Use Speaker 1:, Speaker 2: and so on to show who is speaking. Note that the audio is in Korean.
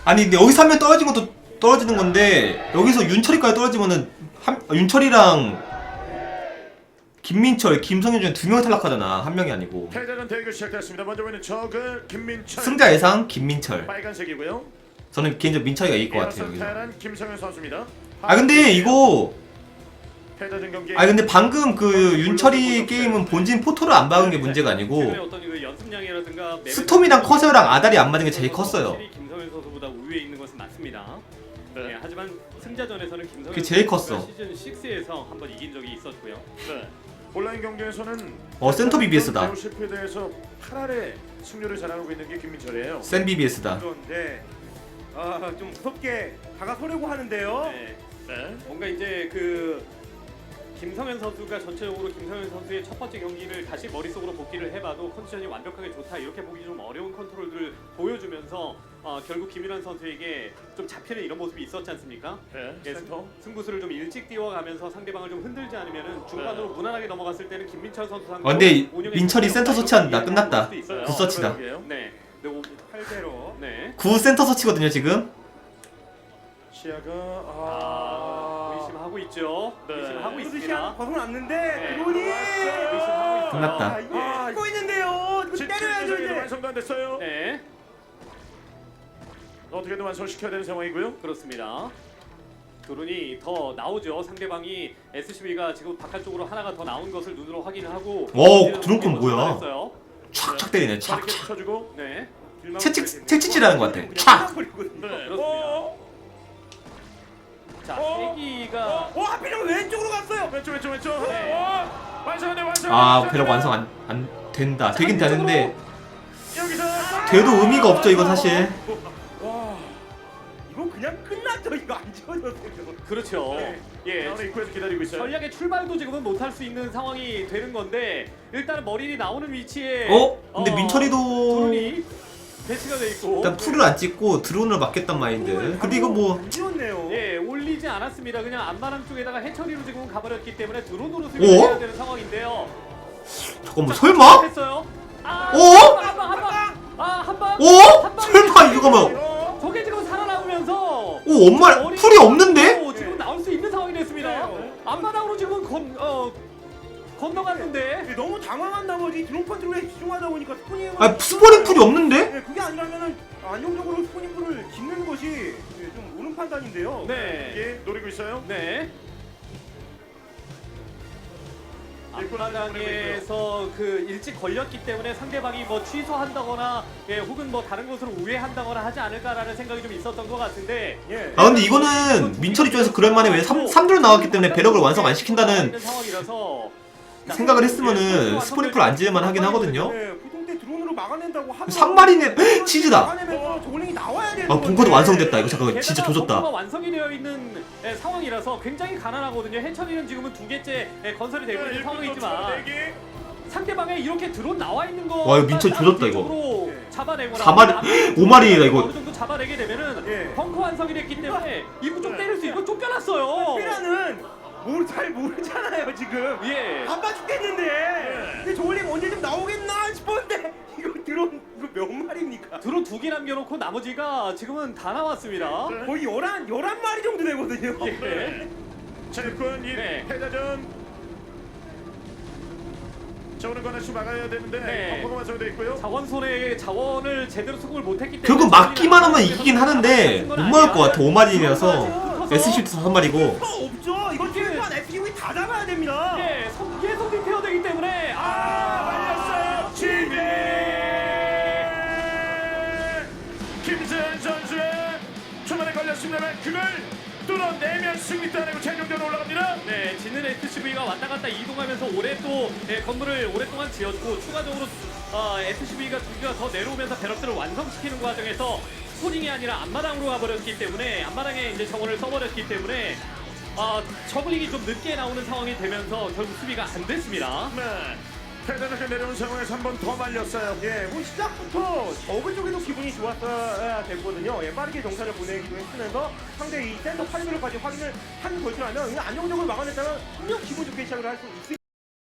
Speaker 1: 아니 근데 여기서 한 명 떨어진 것도 떨어지는 건데 여기서 윤철이까지 떨어지면은 윤철이랑 김민철, 김성현 중에 2명 탈락하잖아. 한 명이 아니고.
Speaker 2: 패자전 대결 시작됐습니다. 먼저 보이는 저그 김민철.
Speaker 1: 승자 예상 김민철.
Speaker 2: 빨간색이고요.
Speaker 1: 저는 개인적으로 민철이가 이길 것 같아요. 여기서.
Speaker 2: 패란 김성현 선수입니다.
Speaker 1: 아 근데 이거
Speaker 2: 패자전 경기.
Speaker 1: 아 근데 방금 그 윤철이 게임은 본진 포토를 안 박은 게 문제가 아니고
Speaker 3: 어떤 그 연습량이라든가
Speaker 1: 스톰이랑 커세어랑 아달이 안 맞은 게 제일 컸어요.
Speaker 3: 확실히 김성현 선수보다 우위에 있는 것은 맞습니다.
Speaker 2: 네.
Speaker 3: 네, 하지만 승자전에서는 김성현
Speaker 1: 그게 제일
Speaker 3: 선수가
Speaker 1: 컸어.
Speaker 3: 시즌 6에서 한번 이긴 적이 있었고요.
Speaker 2: 네. 온라인 경기에서는
Speaker 1: 센터 BBS다.
Speaker 2: 실패대에서 8할의 승률을 자랑하고 있는 게 김민철이에요.
Speaker 1: 센 BBS다.
Speaker 4: 그런데 좀 무섭게 다가서려고 하는데요.
Speaker 3: 네,
Speaker 2: 네.
Speaker 3: 뭔가 이제 그 김성현 선수가 전체적으로 김성현 선수의 첫 번째 경기를 다시 머릿속으로 복기를 해봐도 컨디션이 완벽하게 좋다 이렇게 보기 좀 어려운 컨트롤들을 보여주면서 결국 김일환 선수에게 좀 잡히는 이런 모습이 있었지 않습니까?
Speaker 2: 네.
Speaker 3: 예,
Speaker 2: 센터.
Speaker 3: 승부수를 좀 일찍 띄워가면서 상대방을 좀 흔들지 않으면은 중간으로 무난하게 넘어갔을 때는 김민철 선수 상대.
Speaker 1: 근데 민철이 센터 서치한다. 끝났다.
Speaker 2: 네.
Speaker 1: 굿서치다.
Speaker 3: 네. 네.
Speaker 4: 8대로.
Speaker 3: 네.
Speaker 1: 구 센터 서치거든요 지금.
Speaker 2: 시야가
Speaker 3: 의심하고 있죠.
Speaker 2: 네.
Speaker 3: 의심하고
Speaker 4: 시야
Speaker 3: 있습니다.
Speaker 4: 벗어났는데
Speaker 3: 네.
Speaker 4: 드론이
Speaker 3: 의심하고 있어요.
Speaker 1: 끝났다.
Speaker 4: 이거 찍고 있는데요. 이거 때려야죠 이제.
Speaker 2: 완성도 안 됐어요.
Speaker 3: 네.
Speaker 2: 어떻게든 완성시켜야 되는 상황이고요.
Speaker 3: 그렇습니다. 드론이 더 나오죠. 상대방이 SCV가 지금 바깥쪽으로 하나가 더 나온 것을 눈으로 확인을 하고.
Speaker 1: 와, 드론 건 뭐야?
Speaker 3: 했어요.
Speaker 1: 촥촥 때리네.
Speaker 2: 이렇게
Speaker 1: 촥촥.
Speaker 2: 쳐주고.
Speaker 3: 네.
Speaker 1: 채찍질하는 것 같아. 촥.
Speaker 2: 네.
Speaker 3: 그렇습니다. 자, 세기가
Speaker 4: 하필이면 왼쪽으로 갔어요.
Speaker 2: 왼쪽.
Speaker 3: 네.
Speaker 2: 완성돼.
Speaker 1: 아 배럭 완성 안 된다. 되긴 되는데
Speaker 2: 여기서
Speaker 1: 돼도 의미가 없죠 이거 사실.
Speaker 4: 와, 이거 그냥 끝났죠. 이거 안 지워졌어요.
Speaker 3: 그렇죠.
Speaker 2: 네.
Speaker 3: 예.
Speaker 2: 나오는 입구에서 기다리고 있어요.
Speaker 3: 전략의 출발도 지금은 못할 수 있는 상황이 되는 건데 일단은 머리이 나오는 위치에
Speaker 1: 근데 민철이도
Speaker 3: 드론이 배치가 돼 있고
Speaker 1: 일단 풀을 안 찍고 드론을 맞겠단 마인드. 근데 이거 뭐
Speaker 4: 안 지웠네요.
Speaker 3: 예 올리지 않았습니다. 그냥 안마랑 쪽에다가 해처리로 지금 가버렸기 때문에 드론으로 수비해야 되는 상황인데요.
Speaker 1: 잠깐만 설마?
Speaker 3: 했어요.
Speaker 1: 어?
Speaker 3: 한방
Speaker 1: 설마 이거 뭐?
Speaker 3: 저게 지금 살아남으면서
Speaker 1: 엄마 풀이 없는데?
Speaker 3: 지금 나올 수 있는 상황이 됐습니다. 앞마당으로 지금 건너갔는데
Speaker 4: 너무 당황한 나머지 드론 컨트롤에 집중하다 보니까 스포닝.
Speaker 1: 스포닝 풀이 없는데?
Speaker 4: 네, 그게 아니라면은 안정적으로 스포닝 풀을 짓는 것이 좀 옳은 판단인데요.
Speaker 3: 네.
Speaker 2: 예, 노리고 있어요.
Speaker 3: 네. 앞마당에서 그 일찍 걸렸기 때문에 상대방이 뭐 취소한다거나 혹은 뭐 다른 곳으로 우회한다거나 하지 않을까라는 생각이 좀 있었던 것 같은데
Speaker 4: 예.
Speaker 1: 근데 이거는 민철 입장에서 그럴만해. 왜 3드론 나왔기 때문에 배럭을 완성 안 시킨다는
Speaker 3: 상황이라서
Speaker 1: 생각을 했으면은 스포닝 풀 안 지을만 하긴 하거든요.
Speaker 4: 네, 보통 때 드론으로 막아낸다고 하면
Speaker 1: 3마리네 치즈다.
Speaker 4: 막아내면서 저글링이 나와야 되는
Speaker 1: 벙커도 완성됐다. 이거 잠깐 진짜
Speaker 3: 게다가
Speaker 1: 조졌다.
Speaker 3: 벙커가 완성이 되어 있는 상황이라서 굉장히 가난하거든요. 해처리는 지금은 2개째 건설이 되고 있는 상황이지만 상대방에 이렇게 드론 나와 있는 거
Speaker 1: 와, 이거 민철 조졌다, 이거.
Speaker 3: 잡아내거나
Speaker 1: 5마리다 이거.
Speaker 3: 어느 정도 잡아내게 되면은
Speaker 4: 예.
Speaker 3: 벙커 완성이 됐기 때문에 이거 좀 때릴 수 있고 쫓겨났어요.
Speaker 4: 피라는 잘 모르잖아요 지금.
Speaker 3: 예.
Speaker 4: 바빠 죽겠는데. 근데 저글링 언제 좀 나오겠나 싶었는데 이거 드론 이거 몇 마리입니까?
Speaker 3: 드론 2개 남겨놓고 나머지가 지금은 다 나왔습니다.
Speaker 4: 거의 11마리 정도 되거든요.
Speaker 3: 예.
Speaker 2: 자, 일꾼 이
Speaker 3: 네.
Speaker 2: 패자전. 저거는 하나씩 막아야 되는데
Speaker 3: 네.
Speaker 2: 벙커가 완성돼 있고요.
Speaker 3: 자원손의 자원을 제대로 수급을 못했기 때문에
Speaker 1: 결국 막기만 하면 이기긴 하는데 못 막을 것 같아. 5마리라서 SC도 5마리고.
Speaker 4: 없죠. 이거 최소한 SUV 다 잡아야 됩니다.
Speaker 3: 예, 계속 리페어되기 때문에
Speaker 2: 말렸어요. 지배. 김세현 선수의 초반에 걸렸습니다만 그걸 뚫어내면 승리 따내고 최종적으로 올라갑니다.
Speaker 3: 네, 지는 SCV가 왔다 갔다 이동하면서 올해 또 건물을 오랫동안 지었고 추가적으로 SCV가 2개가 더 내려오면서 배럭들을 완성시키는 과정에서 스포닝이 아니라 앞마당으로 가버렸기 때문에 앞마당에 이제 정원을 써버렸기 때문에 저글링이 좀 늦게 나오는 상황이 되면서 결국 수비가 안 됐습니다.
Speaker 2: 네. 패자전에 내려온 상황에서 한 번 더 말렸어요.
Speaker 4: 예, 뭐 시작부터 저그 쪽에도 기분이 좋았어야 됐거든요. 예, 빠르게 정찰을 보내기도 했으면서 상대 이 센터 8블록까지 확인을 한 것이라면 그냥 안정적으로 막아냈다면 분명 기분 좋게 시작을 할 수